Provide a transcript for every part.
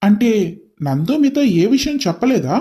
అంటే నందు మీతో ఏ విషయం చెప్పలేదా?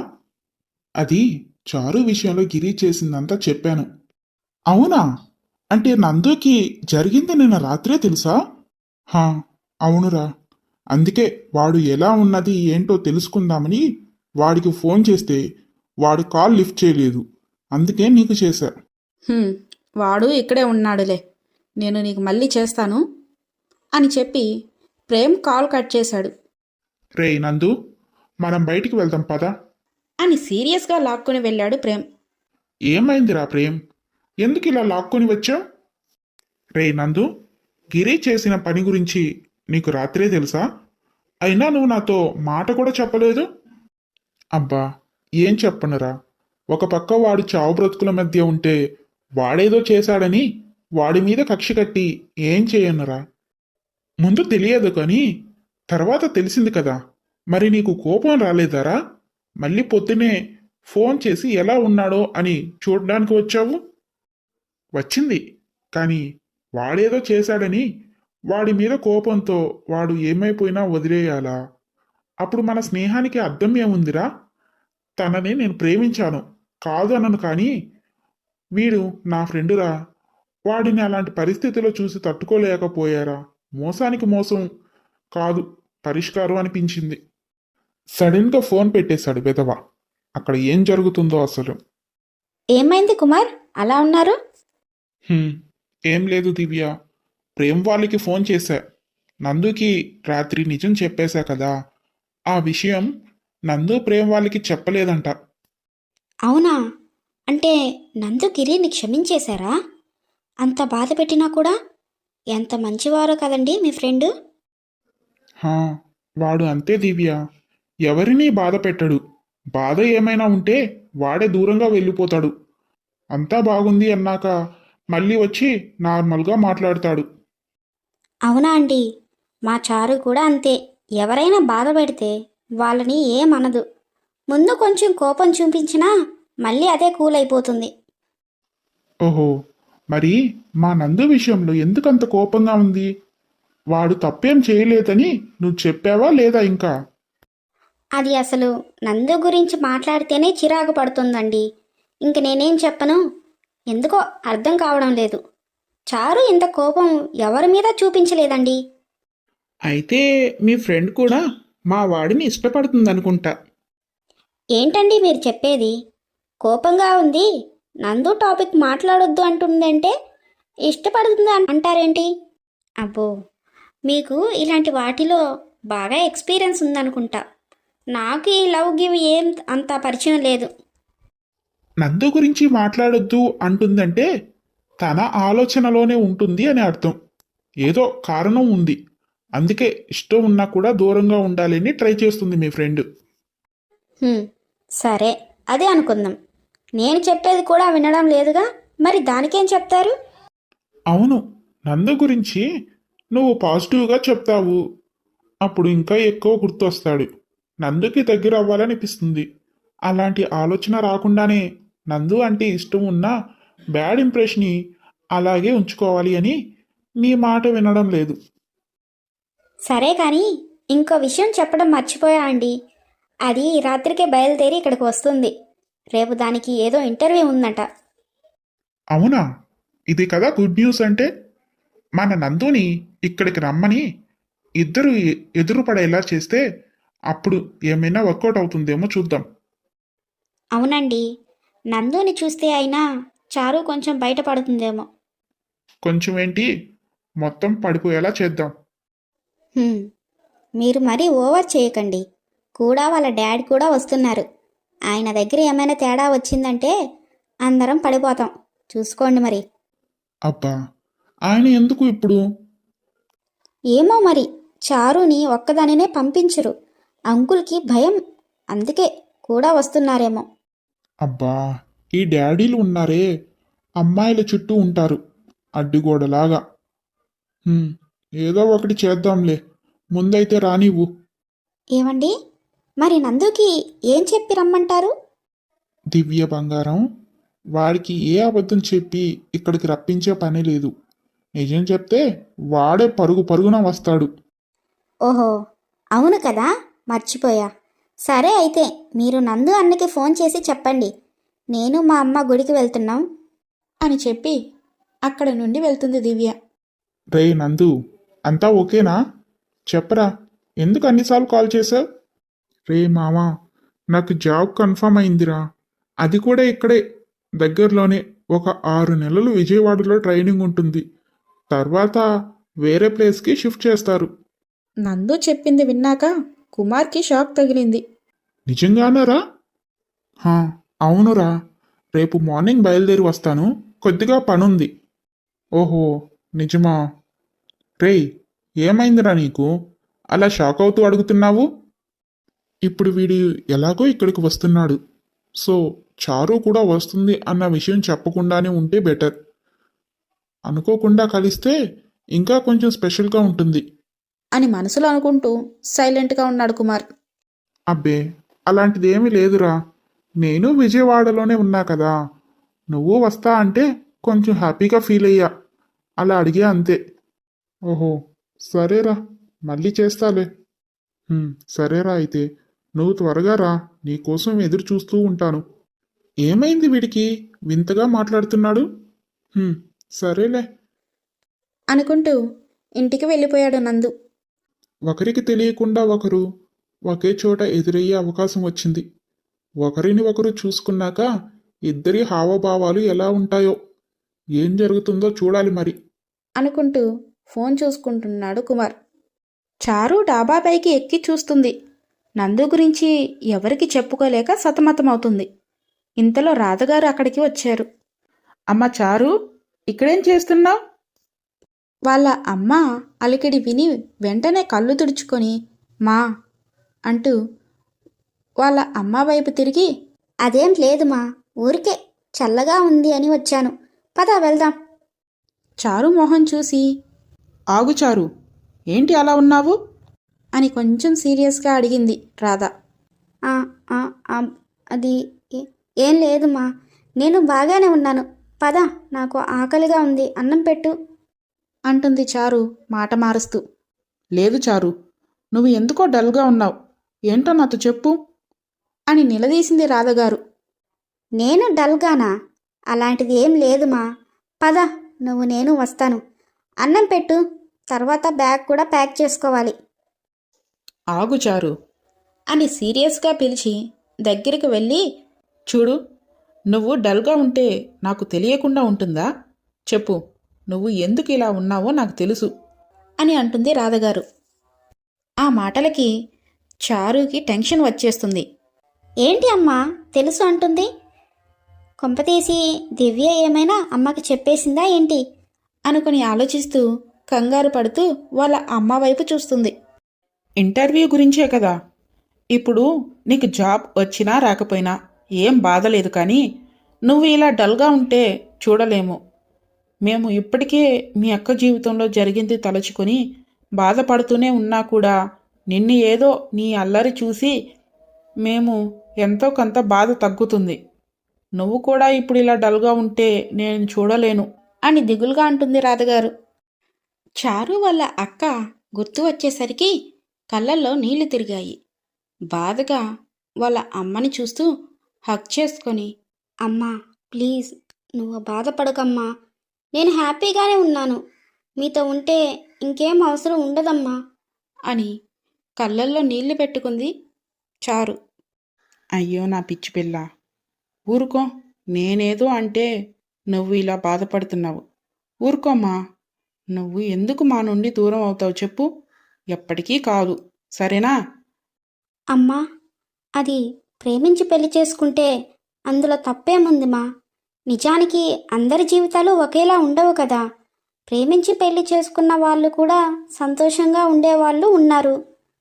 అది చారు విషయంలో గిరి చేసిందంతా చెప్పాను. అవునా? అంటే నందుకి జరిగింది నిన్న రాత్రే తెలుసా? హా, అవునురా. అందుకే వాడు ఎలా ఉన్నది ఏంటో తెలుసుకుందామని వాడికి ఫోన్ చేస్తే వాడు కాల్ లిఫ్ట్ చేయలేదు. అందుకే నీకు చేశా. "హ్మ్, వాడు ఇక్కడే ఉన్నాడులే, నేను నీకు మళ్ళీ చేస్తాను" అని చెప్పి ప్రేమ్ కాల్ కట్ చేశాడు. రేయ్ నందు, మనం బయటికి వెళ్దాం పదా. అని సీరియస్గా లాక్కుని వెళ్ళాడు ప్రేమ్. ఏమైందిరా ప్రేమ్? ఎందుకు ఇలా లాక్కొని వచ్చావు? రేయ్ నందు, గిరి చేసిన పని గురించి నీకు రాత్రే తెలుసా? అయినా నువ్వు నాతో మాట కూడా చెప్పలేదు. అబ్బా, ఏం చెప్పనురా. ఒక పక్క వాడు చావు బ్రతుకుల మధ్య ఉంటే వాడేదో చేశాడని వాడి మీద కక్ష కట్టి ఏం చేయనురా. ముందు తెలియదు కానీ తర్వాత తెలిసింది కదా. మరి నీకు కోపం రాలేదారా? మళ్ళీ పొద్దునే ఫోన్ చేసి ఎలా ఉన్నాడో అని చూడడానికి వచ్చావు. వచ్చింది, కానీ వాడేదో చేశాడని వాడి మీద కోపంతో వాడు ఏమైపోయినా వదిలేయాలా? అప్పుడు మన స్నేహానికి అర్థం ఏముందిరా? తనని నేను ప్రేమించాను, కాదు అనను, కానీ వీడు నా ఫ్రెండురా. వాడిని అలాంటి పరిస్థితిలో చూసి తట్టుకోలేకపోయారా? మోసానికి మోసం కాదు పరిష్కారం అనిపించింది. సడన్గా ఫోన్ పెట్టేశాడు బెదవ. అక్కడ ఏం జరుగుతుందో అసలు. "ఏమైంది కుమార్, అలా ఉన్నారు?" హ్మ్, ఏం లేదు దివ్య. ప్రేమ్ వాళ్ళకి ఫోన్ చేశా. నందుకి రాత్రి నిజం చెప్పేశా కదా. ఆ విషయం నందు ప్రేమ్ వాళ్ళకి చెప్పలేదంట. "అవునా? అంటే నందు గిరిని క్షమించేశారా? అంత బాధ పెట్టినా కూడా? ఎంత మంచివారో కదండి మీ ఫ్రెండు." హా, వాడు అంతే దివ్య. ఎవరినీ బాధ పెట్టడు. బాధ ఏమైనా ఉంటే వాడే దూరంగా వెళ్ళిపోతాడు. అంతా బాగుంది అన్నాక మళ్ళీ వచ్చి నార్మల్గా మాట్లాడతాడు. అవునా అండి? మా చారు కూడా అంతే. ఎవరైనా బాధ పెడితే వాళ్ళని ఏమనదు. ముందు కొంచెం కోపం చూపించినా మళ్ళీ అదే కూల్ అయిపోతుంది. ఓహో, మరి మా నందు విషయంలో ఎందుకంత కోపంగా ఉంది? వాడు తప్పేం చేయలేదని నువ్వు చెప్పావా లేదా ఇంకా? అది అసలు నందు గురించి మాట్లాడితేనే చిరాకు పడుతుందండి. ఇంక నేనేం చెప్పను? ఎందుకో అర్థం కావడం లేదు. చారు ఇంత కోపం ఎవరి మీద చూపించలేదండి. అయితే మీ ఫ్రెండ్ కూడా మా వాడిని ఇష్టపడుతుందనుకుంటా. ఏంటండి మీరు చెప్పేది? కోపంగా ఉంది, నందు టాపిక్ మాట్లాడొద్దు అంటుందంటే ఇష్టపడుతుంది అంటారేంటి? అబ్బో, మీకు ఇలాంటి వాటిలో బాగా ఎక్స్పీరియన్స్ ఉందనుకుంటా. నాకు ఈ లవ్ గివ్ ఏం అంత పరిచయం లేదు. నందు గురించి మాట్లాడొద్దు అంటుందంటే తన ఆలోచనలోనే ఉంటుంది అని అర్థం. ఏదో కారణం ఉంది. అందుకే ఇష్టం ఉన్నా కూడా దూరంగా ఉండాలని ట్రై చేస్తుంది మీ ఫ్రెండ్. హ్మ్, సరే, అదే అనుకుందాం. నేను చెప్పేది కూడా వినడం లేదుగా, మరి దానికేం చెప్తారు? అవును, నందు గురించి నువ్వు పాజిటివ్గా చెప్తావు. అప్పుడు ఇంకా ఎక్కువ గుర్తొస్తాడు. నందుకి దగ్గర అవ్వాలనిపిస్తుంది. అలాంటి ఆలోచన రాకుండానే నందు అంటే ఇష్టం ఉన్న బ్యాడ్ ఇంప్రెషన్ని అలాగే ఉంచుకోవాలి అని నీ మాట వినడం లేదు. సరే కానీ ఇంకో విషయం చెప్పడం మర్చిపోయా అండి. అది రాత్రికే బయలుదేరి ఇక్కడికి వస్తుంది. రేపు దానికి ఏదో ఇంటర్వ్యూ ఉందట. అవునా? ఇది కదా గుడ్ న్యూస్ అంటే. మన నందుని ఇక్కడికి రమ్మని ఇద్దరు ఎదురు పడేలా చేస్తే అప్పుడు ఏమైనా వర్కౌట్ అవుతుందేమో చూద్దాం. అవునండి, నందుని చూస్తే అయినా చారు కొంచెం బయటపడుతుందేమో. కొంచెం ఏంటి, మొత్తం పడిపోయేలా చేద్దాం. హ్మ్, మీరు మరీ ఓవర్ చేయకండి. కూడా వాళ్ళ డాడీ కూడా వస్తున్నారు. ఆయన దగ్గర ఏమైనా తేడా వచ్చిందంటే అందరం పడిపోతాం. చూసుకోండి మరి. అబ్బా, ఆయన ఎందుకు ఇప్పుడు? ఏమో మరి, చారుని ఒక్కదానినే పంపించరు. అంకుల్కి భయం, అందుకే కూడా వస్తున్నారేమో. అబ్బా, ఈ డాడీలు ఉన్నారే, అమ్మాయిల చుట్టూ ఉంటారు అడ్డుగోడలాగా. హ్మ్, ఏదో ఒకటి చేద్దాంలే. ముందైతే రానివ్వు. ఏమండి, మరి నందుకి ఏం చెప్పి రమ్మంటారు? దివ్య బంగారం, వాడికి ఏ అబద్ధం చెప్పి ఇక్కడికి రప్పించే పని లేదు. నిజం చెప్తే వాడే పరుగు పరుగున వస్తాడు. ఓహో, అవును కదా, మర్చిపోయా. సరే అయితే మీరు నందు అన్నకి ఫోన్ చేసి చెప్పండి, నేను మా అమ్మ గుడికి వెళ్తున్నాం అని చెప్పి అక్కడ నుండి వెళ్తుంది దివ్య. రే నందు, అంతా ఓకేనా? చెప్పరా, ఎందుకు అన్నిసార్లు కాల్ చేశావు? రే మామా, నాకు జాబ్ కన్ఫర్మ్ అయిందిరా. అది కూడా ఇక్కడే దగ్గరలోనే. ఒక 6 నెలలు విజయవాడలో ట్రైనింగ్ ఉంటుంది. తర్వాత వేరే ప్లేస్కి షిఫ్ట్ చేస్తారు. నందు చెప్పింది విన్నాక కుమార్కి షాక్ తగిలింది. నిజంగానేరా? హా, అవునురా. రేపు మార్నింగ్ బయలుదేరి వస్తాను. కొద్దిగా పనుంది. ఓహో, నిజమా? రేయ్, ఏమైందిరా నీకు? అలా షాక్ అవుతూ అడుగుతున్నావు? ఇప్పుడు వీడు ఎలాగో ఇక్కడికి వస్తున్నాడు. సో చారు కూడా వస్తుంది అన్న విషయం చెప్పకుండానే ఉంటే బెటర్. అనుకోకుండా కలిస్తే ఇంకా కొంచెం స్పెషల్గా ఉంటుంది అని మనసులో అనుకుంటూ సైలెంట్గా ఉన్నాడు కుమార్. అబ్బే, అలాంటిది ఏమీ లేదురా. నేను విజయవాడలోనే ఉన్నా కదా. నువ్వు వస్తా అంటే కొంచెం హ్యాపీగా ఫీల్ అయ్యా. అలా అడిగా అంతే. ఓహో, సరేరా, మళ్ళీ చేస్తాలే. సరేరా అయితే. నువ్వు త్వరగా రా, నీకోసం ఎదురు చూస్తూ ఉంటాను. ఏమైంది వీడికి? వింతగా మాట్లాడుతున్నాడు. సరేలే. అనుకుంటూ ఇంటికి వెళ్ళిపోయాడు నందు. ఒకరికి తెలియకుండా ఒకరు ఒకే చోట ఎదురయ్యే అవకాశం వచ్చింది. ఒకరిని ఒకరు చూసుకున్నాక ఇద్దరి హావభావాలు ఎలా ఉంటాయో, ఏం జరుగుతుందో చూడాలి మరి. అనుకుంటూ ఫోన్ చూసుకుంటున్నాడు కుమార్. చారు డాబా పైకి ఎక్కి చూస్తుంది. నందు గురించి ఎవరికి చెప్పుకోలేక సతమతమవుతుంది. ఇంతలో రాధగారు అక్కడికి వచ్చారు. అమ్మ చారు, ఇక్కడేం చేస్తున్నావు? వాళ్ళ అమ్మ అలికిడి విని వెంటనే కళ్ళు తుడుచుకొని మా అంటూ వాళ్ళ అమ్మ వైపు తిరిగి, అదేం లేదు మా, ఊరికే చల్లగా ఉంది అని వచ్చాను, పద వెళ్దాం. చారు మొహం చూసి, ఆగు చారు, ఏంటి అలా ఉన్నావు? అని కొంచెం సీరియస్గా అడిగింది రాధ. "ఆ, ఆ, ఆ, అది ఏం లేదు మా, నేను బాగానే ఉన్నాను. పద, నాకు ఆకలిగా ఉంది, అన్నం పెట్టు" అంటుంది చారు మాట మారుస్తూ. లేదు చారు, నువ్వు ఎందుకో డల్గా ఉన్నావు. ఏంటో నాతో చెప్పు అని నిలదీసింది రాధగారు. నేను డల్గానా? అలాంటిది ఏం లేదు మా, పద, నువ్వు నేను వస్తాను. అన్నం పెట్టు, తర్వాత బ్యాగ్ కూడా ప్యాక్ చేసుకోవాలి. ఆగు చారు అని సీరియస్గా పిలిచి దగ్గరికి వెళ్ళి, చూడు, నువ్వు డల్గా ఉంటే నాకు తెలియకుండా ఉంటుందా? చెప్పు, నువ్వు ఎందుకు ఇలా ఉన్నావో నాకు తెలుసు అని అంటుంది రాధగారు. ఆ మాటలకి చారుకి టెన్షన్ వచ్చేస్తుంది. ఏంటి అమ్మా తెలుసు అంటుంది? కొంపతీసి దివ్య ఏమైనా అమ్మకి చెప్పేసిందా ఏంటి? అనుకుని ఆలోచిస్తూ కంగారు పడుతూ వాళ్ళ అమ్మ వైపు చూస్తుంది. ఇంటర్వ్యూ గురించే కదా. ఇప్పుడు నీకు జాబ్ వచ్చినా రాకపోయినా ఏం బాధ లేదు, కానీ నువ్వు ఇలా డల్గా ఉంటే చూడలేము. మేము ఇప్పటికే మీ అక్క జీవితంలో జరిగింది తలుచుకొని బాధపడుతూనే ఉన్నా కూడా నిన్ను ఏదో నీ అల్లరి చూసి మేము ఎంతో కొంత బాధ తగ్గుతుంది. నువ్వు కూడా ఇప్పుడు ఇలా డల్గా ఉంటే నేను చూడలేను అని దిగులుగా అంటుంది రాధగారు. చారు వాళ్ళ అక్క గుర్తు వచ్చేసరికి కళ్ళల్లో నీళ్లు తిరిగాయి. బాధగా వాళ్ళ అమ్మని చూస్తూ హగ్ చేసుకొని, అమ్మా ప్లీజ్, నువ్వు బాధపడకమ్మా, నేను హ్యాపీగానే ఉన్నాను. మీతో ఉంటే ఇంకేం అవసరం ఉండదమ్మా అని కళ్ళల్లో నీళ్లు పెట్టుకుంది చారు. అయ్యో నా పిచ్చి పిల్ల, ఊరుకో. నేనేదో అంటే నువ్వు ఇలా బాధపడుతున్నావు. ఊరుకోమ్మా. నువ్వు ఎందుకు మా నుండి దూరం అవుతావు చెప్పు? ఎప్పటికీ కాదు, సరేనా? అమ్మా, అది ప్రేమించి పెళ్లి చేసుకుంటే అందులో తప్పేముంది మా? నిజానికి అందరి జీవితాలు ఒకేలా ఉండవు కదా. ప్రేమించి పెళ్లి చేసుకున్న వాళ్ళు కూడా సంతోషంగా ఉండేవాళ్ళు ఉన్నారు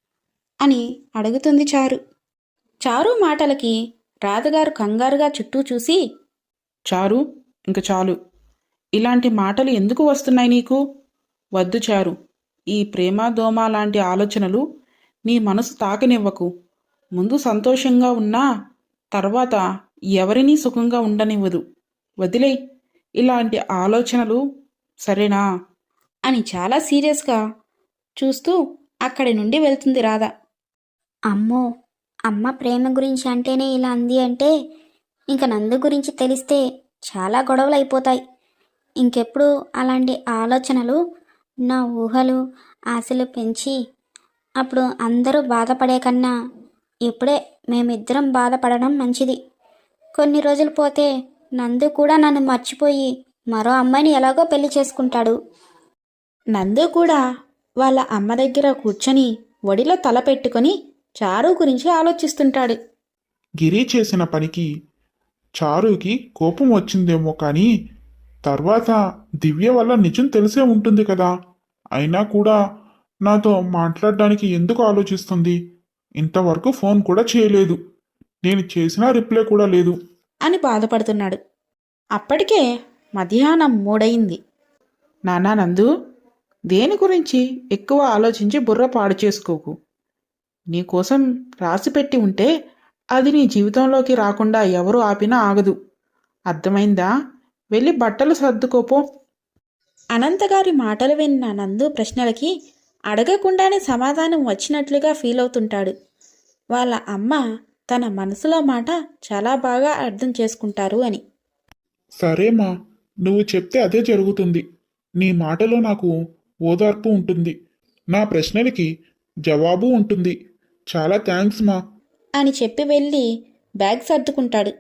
అని అడుగుతుంది చారు. చారు మాటలకి రాధగారు కంగారుగా చుట్టూ చూసి, చారు, ఇంక చాలు. ఇలాంటి మాటలు ఎందుకు వస్తున్నాయి నీకు? వద్దు చారు. ఈ ప్రేమ దోమ లాంటి ఆలోచనలు నీ మనసు తాకనివ్వకు. ముందు సంతోషంగా ఉన్నా తర్వాత ఎవరినీ సుఖంగా ఉండనివ్వదు. వదిలేయ్ ఇలాంటి ఆలోచనలు, సరేనా? అని చాలా సీరియస్గా చూస్తూ అక్కడి నుండి వెళ్తుంది రాధ. అమ్మో, అమ్మ ప్రేమ గురించి అంటేనే ఇలా అంది అంటే ఇంక నందు గురించి తెలిస్తే చాలా గొడవలు అయిపోతాయి. ఇంకెప్పుడు అలాంటి ఆలోచనలు నా ఊహలు ఆశలు పెంచి అప్పుడు అందరూ బాధపడే కన్నా ఇప్పుడే మేమిద్దరం బాధపడడం మంచిది. కొన్ని రోజులు పోతే నందు కూడా నన్ను మర్చిపోయి మరో అమ్మాయిని ఎలాగో పెళ్లి చేసుకుంటాడు. నందు కూడా వాళ్ళ అమ్మ దగ్గర కూర్చొని ఒడిలో తల పెట్టుకొని చారు గురించి ఆలోచిస్తుంటాడు. గిరి చేసిన పనికి చారుకి కోపం వచ్చిందేమో కానీ తర్వాత దివ్య వల్ల నిజం తెలిసే ఉంటుంది కదా. అయినా కూడా నాతో మాట్లాడడానికి ఎందుకు ఆలోచిస్తుంది? ఇంతవరకు ఫోన్ కూడా చేయలేదు. నేను చేసినా రిప్లై కూడా లేదు. అని బాధపడుతున్నాడు. అప్పటికే మధ్యాహ్నం 3 నానా నందు, దేని గురించి ఎక్కువ ఆలోచించి బుర్ర పాడు చేసుకోకు. నీకోసం రాసిపెట్టి ఉంటే అది నీ జీవితంలోకి రాకుండా ఎవరు ఆపినా ఆగదు. అర్థమైందా? వెళ్ళి బట్టలు సర్దుకోపో. అనంతగారి మాటలు విన్న నందు ప్రశ్నలకి అడగకుండానే సమాధానం వచ్చినట్లుగా ఫీల్ అవుతుంటాడు. వాళ్ళ అమ్మ తన మనసులో మాట చాలా బాగా అర్థం చేసుకుంటారు అని. సరేమా, నువ్వు చెప్తే అదే జరుగుతుంది. నీ మాటలో నాకు ఓదార్పు ఉంటుంది, నా ప్రశ్నలకి జవాబు ఉంటుంది. చాలా థ్యాంక్స్ మా. అని చెప్పి వెళ్ళి బ్యాగ్ సర్దుకుంటాడు.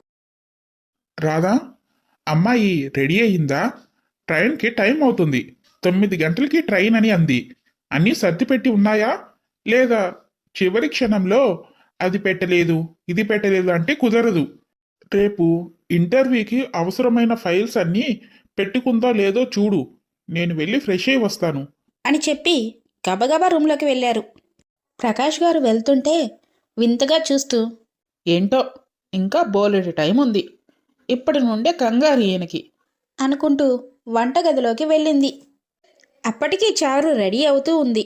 రాధా, అమ్మాయి రెడీ అయ్యిందా? ట్రైన్కి టైం అవుతుంది. 9 గంటలకి ట్రైన్ అని అంది. అన్నీ సర్దిపెట్టి ఉన్నాయా? లేదా చివరి క్షణంలో అది పెట్టలేదు ఇది పెట్టలేదు అంటే కుదరదు. రేపు ఇంటర్వ్యూకి అవసరమైన ఫైల్స్ అన్నీ పెట్టుకుందా లేదో చూడు. నేను వెళ్ళి ఫ్రెష్ అయి వస్తాను అని చెప్పి గబగబా రూమ్లోకి వెళ్ళారు. ప్రకాష్ గారు వెళ్తుంటే వింతగా చూస్తూ, ఏంటో ఇంకా బోలెడు టైం ఉంది, ఇప్పటి నుండే కంగారు ఈయనకి అనుకుంటూ వంటగదిలోకి వెళ్ళింది. అప్పటికి చారు రెడీ అవుతూ ఉంది.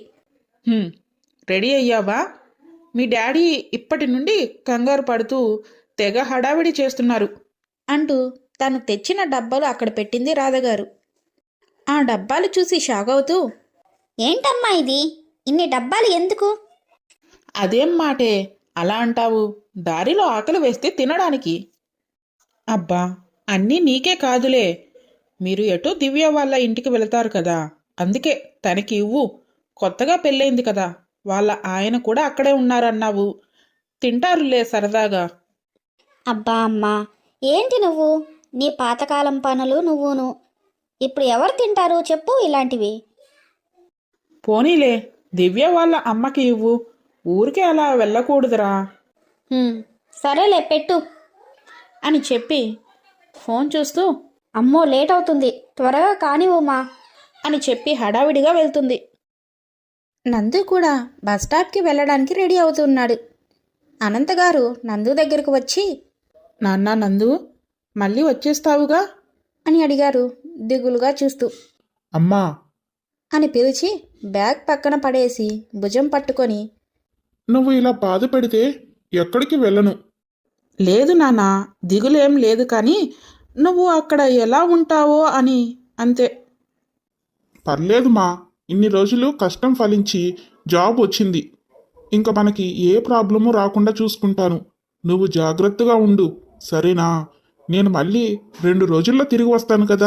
రెడీ అయ్యావా? మీ డాడీ ఇప్పటి నుండి కంగారు పడుతూ తెగ హడావిడి చేస్తున్నారు అంటూ తను తెచ్చిన డబ్బాలు అక్కడ పెట్టింది రాధగారు. ఆ డబ్బాలు చూసి షాక్ అవుతూ, ఏంటమ్మా ఇది, ఇన్ని డబ్బాలు ఎందుకు? అదేం మాటే అలా అంటావు? దారిలో ఆకలి వేస్తే తినడానికి. అబ్బా, అన్నీ నీకే కాదులే, మీరు ఎటో దివ్య వాళ్ళ ఇంటికి వెళతారు కదా, అందుకే తనకి ఇవ్వు. కొత్తగా పెళ్ళైంది కదా, వాళ్ళ ఆయన కూడా అక్కడే ఉన్నారన్నావు, తింటారులే సరదాగా. అబ్బా అమ్మా, ఏంటి నువ్వు, నీ పాతకాలం పనులు నువ్వును. ఇప్పుడు ఎవరు తింటారు చెప్పు ఇలాంటివి? పోనీలే, దివ్య వాళ్ళ అమ్మకి ఇవ్వు, ఊరికే అలా వెళ్ళకూడదురా. సరేలే పెట్టు అని చెప్పి ఫోన్ చూస్తూ, అమ్మో లేట్ అవుతుంది, త్వరగా కానివ్వమా అని చెప్పి హడావిడిగా వెళ్తుంది. నందు కూడా బస్ స్టాప్కి వెళ్ళడానికి రెడీ అవుతున్నాడు. అనంతగారు నందు దగ్గరకు వచ్చి, నాన్నా నందు, మళ్ళీ వచ్చేస్తావుగా అని అడిగారు దిగులుగా చూస్తూ. అమ్మా అని పిలిచి బ్యాగ్ పక్కన పడేసి భుజం పట్టుకొని, నువ్వు ఇలా బాధ పెడితే ఎక్కడికి వెళ్ళను. లేదు నాన్నా, దిగులేం లేదు, కానీ నువ్వు అక్కడ ఎలా ఉంటావో అని అంతే. పర్లేదు మా, ఇన్ని రోజులు కష్టం ఫలించి జాబ్ వచ్చింది. ఇంకా మనకి ఏ ప్రాబ్లము రాకుండా చూసుకుంటాను. నువ్వు జాగ్రత్తగా ఉండు, సరేనా? నేను మళ్ళీ 2 రోజుల్లో తిరిగి వస్తాను కదా.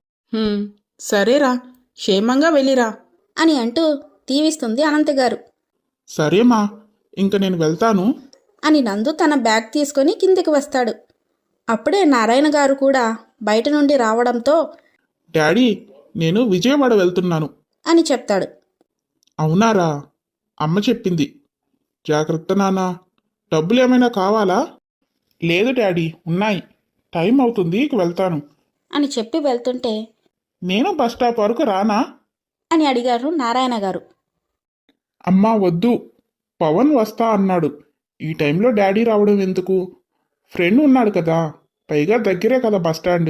సరేరా, క్షేమంగా వెళ్ళిరా అని అంటూ దీవిస్తుంది అనంతగారు. సరేమా, ఇంక నేను వెళ్తాను అని నందు తన బ్యాగ్ తీసుకొని కిందికి వస్తాడు. అప్పుడే నారాయణ గారు కూడా బయట నుండి రావడంతో, డాడీ, నేను విజయవాడ వెళ్తున్నాను అని చెప్తాడు. అవునారా? అమ్మ చెప్పింది. జాగ్రత్త నాన్నా. డబ్బులు ఏమైనా కావాలా? లేదు డాడీ, ఉన్నాయి. టైం అవుతుంది, ఇక వెళ్తాను అని చెప్పి వెళ్తుంటే, నేను బస్ స్టాప్ వరకు రానా అని అడిగారు నారాయణ గారు. అమ్మా వద్దు, పవన్ వస్తా అన్నాడు. ఈ టైంలో డాడీ రావడం ఎందుకు? ఫ్రెండ్ ఉన్నాడు కదా, పైగా దగ్గరే కదా బస్ స్టాండ్.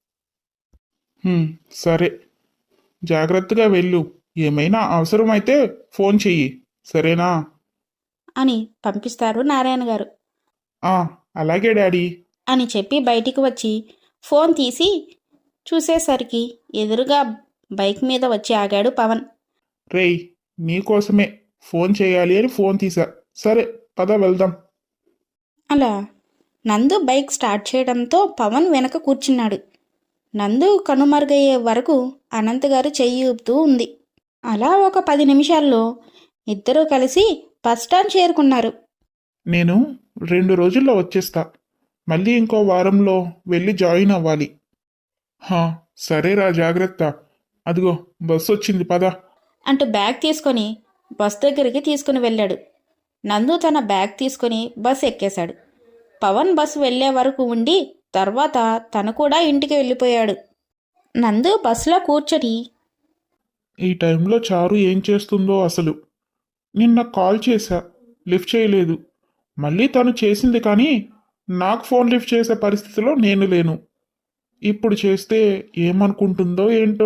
సరే, జాగ్రత్తగా వెళ్ళు. ఏమైనా అవసరమైతే ఫోన్ చెయ్యి, సరేనా? అని పంపిస్తారు నారాయణ గారు. అలాగే డాడీ అని చెప్పి బయటికి వచ్చి ఫోన్ తీసి చూసేసరికి ఎదురుగా బైక్ మీద వచ్చి ఆగాడు పవన్. రేయ్, నీకోసమే ఫోన్ చేయాలి అని ఫోన్ తీసా. సరే పద వెళ్దాం. అలా నందు బైక్ స్టార్ట్ చేయడంతో పవన్ వెనక కూర్చున్నాడు. నందు కనుమరుగయ్యే వరకు అనంత్ గారు చెయ్యి ఊపుతూ ఉంది. అలా ఒక 10 నిమిషాల్లో ఇద్దరూ కలిసి బస్ స్టాండ్ చేరుకున్నారు. నేను 2 రోజుల్లో వచ్చేస్తా. మళ్ళీ ఇంకో వారంలో వెళ్ళి జాయిన్ అవ్వాలి. హా, సరేరా, జాగ్రత్త. అదిగో బస్సు వచ్చింది, పద. అంటూ బ్యాగ్ తీసుకొని బస్ దగ్గరికి తీసుకుని వెళ్ళాడు. నందు తన బ్యాగ్ తీసుకొని బస్ ఎక్కేశాడు. పవన్ బస్సు వెళ్ళే వరకు ఉండి తర్వాత తను కూడా ఇంటికి వెళ్ళిపోయాడు. నందు బస్సులో కూర్చొని ఈ టైంలో చారు ఏం చేస్తుందో అసలు. నిన్న కాల్ చేశా, లిఫ్ట్ చేయలేదు. మళ్ళీ తను చేసింది కానీ నాకు ఫోన్ లిఫ్ట్ చేసే పరిస్థితిలో నేను లేను. ఇప్పుడు చేస్తే ఏమనుకుంటుందో ఏంటో.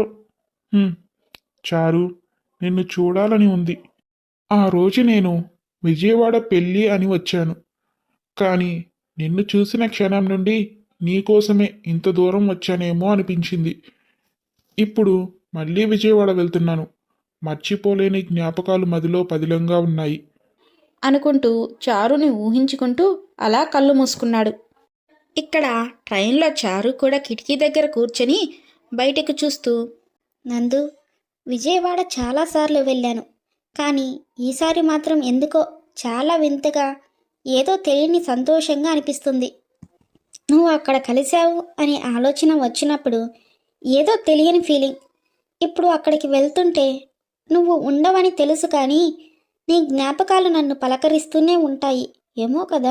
చారు, నిన్ను చూడాలని ఉంది. ఆ రోజు నేను విజయవాడ పెళ్ళి అని వచ్చాను. కానీ నిన్ను చూసిన క్షణం నుండి నీకోసమే ఇంత దూరం వచ్చానేమో అనిపించింది. ఇప్పుడు మళ్ళీ విజయవాడ వెళ్తున్నాను. మర్చిపోలేని జ్ఞాపకాలు మదిలో పదిలంగా ఉన్నాయి. అనుకుంటూ చారుని ఊహించుకుంటూ అలా కళ్ళు మూసుకున్నాడు. ఇక్కడ ట్రైన్లో చారు కూడా కిటికీ దగ్గర కూర్చొని బయటకు చూస్తూ, నందు, విజయవాడ చాలాసార్లు వెళ్ళాను, కానీ ఈసారి మాత్రం ఎందుకో చాలా వింతగా, ఏదో తెలియని సంతోషంగా అనిపిస్తుంది. నువ్వు అక్కడ కలిశావు అనే ఆలోచన వచ్చినప్పుడు ఏదో తెలియని ఫీలింగ్. ఇప్పుడు అక్కడికి వెళ్తుంటే నువ్వు ఉండవని తెలుసు, కానీ నీ జ్ఞాపకాలు నన్ను పలకరిస్తూనే ఉంటాయి ఏమో కదా.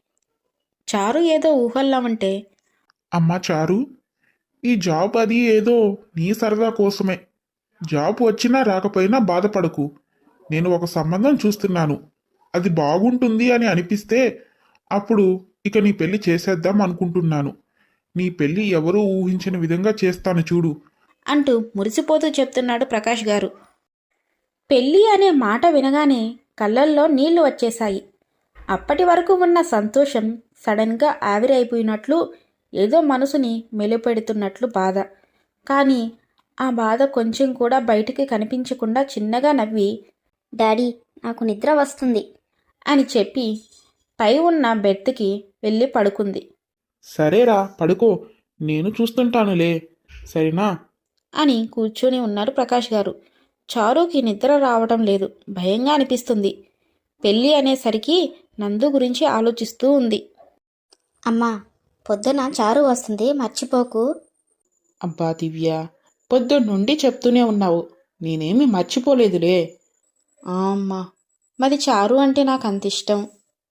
చారు ఏదో ఊహల్లో ఉంటే, అమ్మా చారు, ఈ జాబ్ అది ఏదో నీ సరదా కోసమే. జాబ్ వచ్చినా రాకపోయినా బాధపడకు. నేను ఒక సంబంధం చూస్తున్నాను. అది బాగుంటుంది అని అనిపిస్తే అప్పుడు ఇక నీ పెళ్లి చేసేద్దాం అనుకుంటున్నాను. నీ పెళ్లి ఎవరూ ఊహించిన విధంగా చేస్తాను చూడు. అంటూ మురిసిపోతూ చెప్తున్నాడు ప్రకాష్ గారు. పెళ్ళి అనే మాట వినగానే కళ్ళల్లో నీళ్లు వచ్చేశాయి. అప్పటి వరకు ఉన్న సంతోషం సడన్గా ఆవిరైపోయినట్లు, ఏదో మనసుని మెలిపెడుతున్నట్లు బాధ. కానీ ఆ బాధ కొంచెం కూడా బయటికి కనిపించకుండా చిన్నగా నవ్వి, డాడీ, నాకు నిద్ర వస్తుంది అని చెప్పి పై ఉన్న బెర్త్కి వెళ్ళి పడుకుంది. సరేరా, పడుకో, నేను చూస్తుంటానులే, సరేనా? అని కూర్చొని ఉన్నారు ప్రకాష్ గారు. చారుకి నిద్ర రావటం లేదు, భయంగా అనిపిస్తుంది. పెళ్ళి అనేసరికి నందు గురించి ఆలోచిస్తూ ఉంది. అమ్మా, పొద్దున చారు వస్తుంది, మర్చిపోకు. అబ్బా దివ్య, పొద్దున్నుండి చెప్తూనే ఉన్నావు, నేనేమి మర్చిపోలేదులే. అమ్మా, మరి చారు అంటే నాకు అంత ఇష్టం.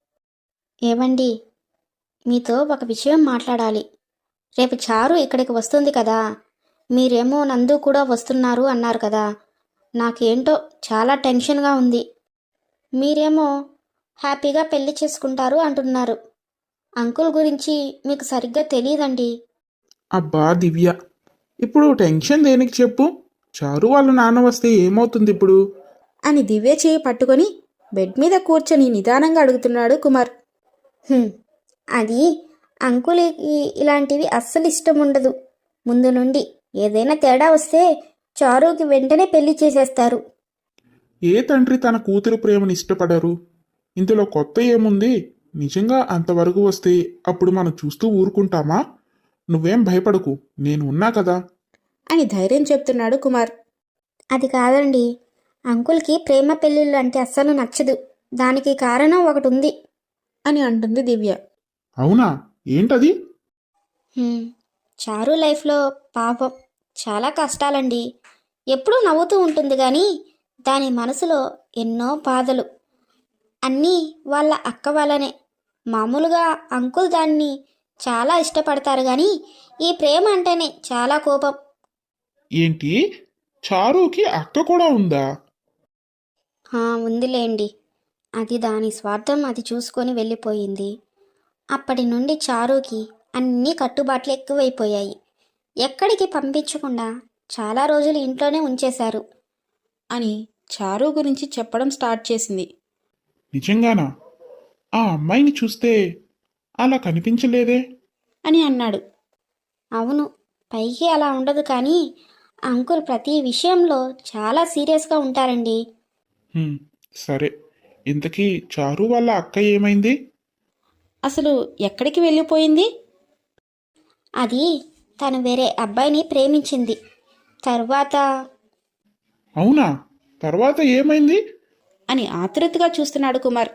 ఏమండి, మీతో ఒక విషయం మాట్లాడాలి. రేపు చారు ఇక్కడికి వస్తుంది కదా, మీరేమో నందు కూడా వస్తున్నారు అన్నారు కదా. నాకేంటో చాలా టెన్షన్గా ఉంది. మీరేమో హ్యాపీగా పెళ్లి చేసుకుంటారు అంటున్నారు. అంకుల్ గురించి మీకు సరిగ్గా తెలియదండి. అబ్బా దివ్య, ఇప్పుడు టెన్షన్ దేనికి చెప్పు? చారు వాళ్ళ నాన్న వస్తే ఏమవుతుంది ఇప్పుడు? అని దివ్య చేయి పట్టుకొని బెడ్ మీద కూర్చొని నిదానంగా అడుగుతున్నాడు కుమార్. అది అంకుల్కి ఇలాంటివి అస్సలు ఇష్టం ఉండదు. ముందు నుండి ఏదైనా తేడా వస్తే చారుకి వెంటనే పెళ్లి చేసేస్తారు. ఏ తండ్రి తన కూతురు ప్రేమను ఇష్టపడరు? ఇందులో కొత్త ఏముంది? నిజంగా అంతవరకు వస్తే అప్పుడు మనం చూస్తూ ఊరుకుంటామా? నువ్వేం భయపడకు, నేను ఉన్నా కదా అని ధైర్యం చెప్తున్నాడు కుమార్. అది కాదండి, అంకుల్కి ప్రేమ పెళ్ళిళ్ళు అంటే అస్సలు నచ్చదు. దానికి కారణం ఒకటి ఉంది అని అంటుంది దివ్య. అవునా? ఏంటది? చారు లైఫ్లో పాపం చాలా కష్టాలండి. ఎప్పుడూ నవ్వుతూ ఉంటుంది, కానీ దాని మనసులో ఎన్నో బాధలు. అన్నీ వాళ్ళ అక్క వల్లనే. మామూలుగా అంకుల్ దాన్ని చాలా ఇష్టపడతారు, కానీ ఈ ప్రేమ అంటేనే చాలా కోపం. ఏంటి, చారుకి అక్క కూడా ఉందా? ఉందిలేండి. అది దాని స్వార్థం అది చూసుకొని వెళ్ళిపోయింది. అప్పటి నుండి చారుకి అన్నీ కట్టుబాట్లు ఎక్కువైపోయాయి. ఎక్కడికి పంపించకుండా చాలా రోజులు ఇంట్లోనే ఉంచేశారు అని చారు గురించి చెప్పడం స్టార్ట్ చేసింది. నిజంగానా? ఆ అమ్మాయిని చూస్తే అలా కనిపించలేదే అని అన్నాడు. అవును, పైకి అలా ఉండదు, కానీ అంకుల్ ప్రతి విషయంలో చాలా సీరియస్గా ఉంటారండి. సరే, ఇంతకీ చారు వాళ్ళ అక్క ఏమైంది? అసలు ఎక్కడికి వెళ్ళిపోయింది? అది తను వేరే అబ్బాయిని ప్రేమించింది. తరువాత అవునా? తర్వాత ఏమైంది? అని ఆతృతగా చూస్తున్నాడు కుమార్.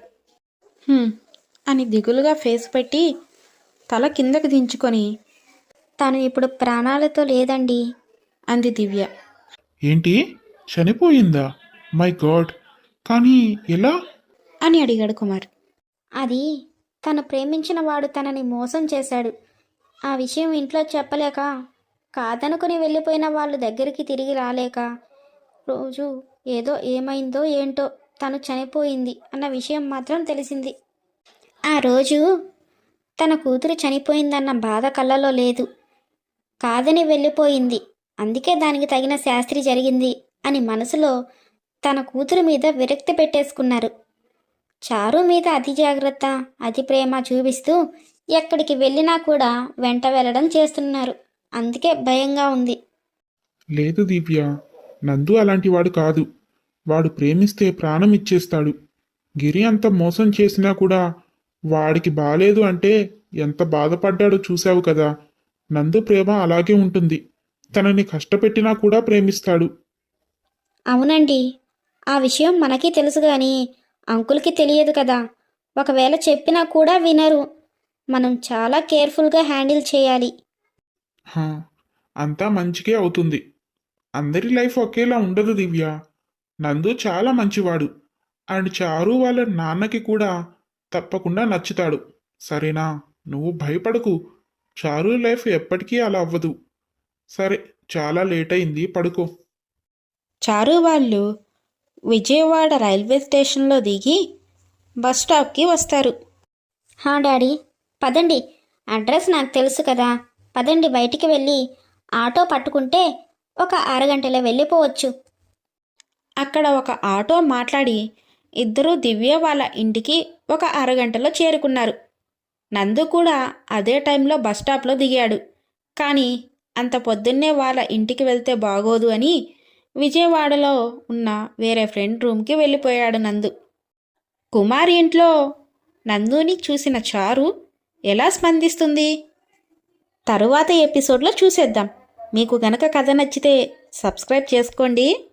అని దిగులుగా ఫేస్ పెట్టి తల కిందకి దించుకొని తను ఇప్పుడు ప్రాణాలతో లేదండి. అంది దివ్య. ఏంటి? చనిపోయిందా? My god! కానీ ఎలా? అని అడిగాడు కుమార్. అది తను ప్రేమించిన వాడు తనని మోసం చేశాడు. ఆ విషయం ఇంట్లో చెప్పలేక, కాదనుకుని వెళ్ళిపోయిన వాళ్ళ దగ్గరికి తిరిగి రాలేక, రోజు ఏదో ఏమైందో ఏంటో తను చనిపోయింది అన్న విషయం మాత్రం తెలిసింది. ఆ రోజు తన కూతురు చనిపోయిందన్న బాధ కళ్ళలో లేదు. కాదని వెళ్ళిపోయింది, అందుకే దానికి తగిన శాస్త్రి జరిగింది అని మనసులో తన కూతురు మీద విరక్తి పెట్టేసుకున్నారు. చారు మీద అతి జాగ్రత్త, అతి ప్రేమ చూపిస్తూ ఎక్కడికి వెళ్ళినా కూడా వెంట వెళ్ళడం చేస్తున్నారు. అందుకే భయంగా ఉంది. లేదు దివ్య, నందు అలాంటి వాడు కాదు. వాడు ప్రేమిస్తే ప్రాణం ఇచ్చేస్తాడు. గిరి అంత మోసం చేసినా కూడా వాడికి బాలేదు అంటే ఎంత బాధపడ్డాడో చూశావు కదా. నందు ప్రేమ అలాగే ఉంటుంది. తనని కష్టపెట్టినా కూడా ప్రేమిస్తాడు. అవునండి, ఆ విషయం మనకి తెలుసు కానీ అంకుల్కి తెలియదు కదా. ఒకవేళ చెప్పినా కూడా వినరు. మనం చాలా కేర్ఫుల్గా హ్యాండిల్ చేయాలి. హా, అంతా మంచికే అవుతుంది. అందరి లైఫ్ ఒకేలా ఉండదు దివ్య. నందు చాలా మంచివాడు. అండ్ చారు వాళ్ళ నాన్నకి కూడా తప్పకుండా నచ్చుతాడు. సరేనా? నువ్వు భయపడకు. చారు లైఫ్ ఎప్పటికీ అలా అవ్వదు. సరే, చాలా లేట్ అయింది, పడుకో. చారు వాళ్ళు విజయవాడ రైల్వే స్టేషన్లో దిగి బస్ స్టాప్కి వస్తారు. డాడీ, పదండి. అడ్రస్ నాకు తెలుసు కదా. పదండి, బయటికి వెళ్ళి ఆటో పట్టుకుంటే ఒక అరగంటలో వెళ్ళిపోవచ్చు. అక్కడ ఒక ఆటో మాట్లాడి ఇద్దరూ దివ్య వాళ్ళ ఇంటికి ఒక అరగంటలో చేరుకున్నారు. నందు కూడా అదే టైంలో బస్ స్టాప్లో దిగాడు. కానీ అంత పొద్దున్నే వాళ్ళ ఇంటికి వెళ్తే బాగోదు అని విజయవాడలో ఉన్న వేరే ఫ్రెండ్ రూమ్కి వెళ్ళిపోయాడు నందు. కుమార్ ఇంట్లో నందుని చూసిన చారు ఎలా స్పందిస్తుంది తరువాత ఎపిసోడ్లో చూసేద్దాం. మీకు గనక కథ నచ్చితే సబ్స్క్రైబ్ చేసుకోండి.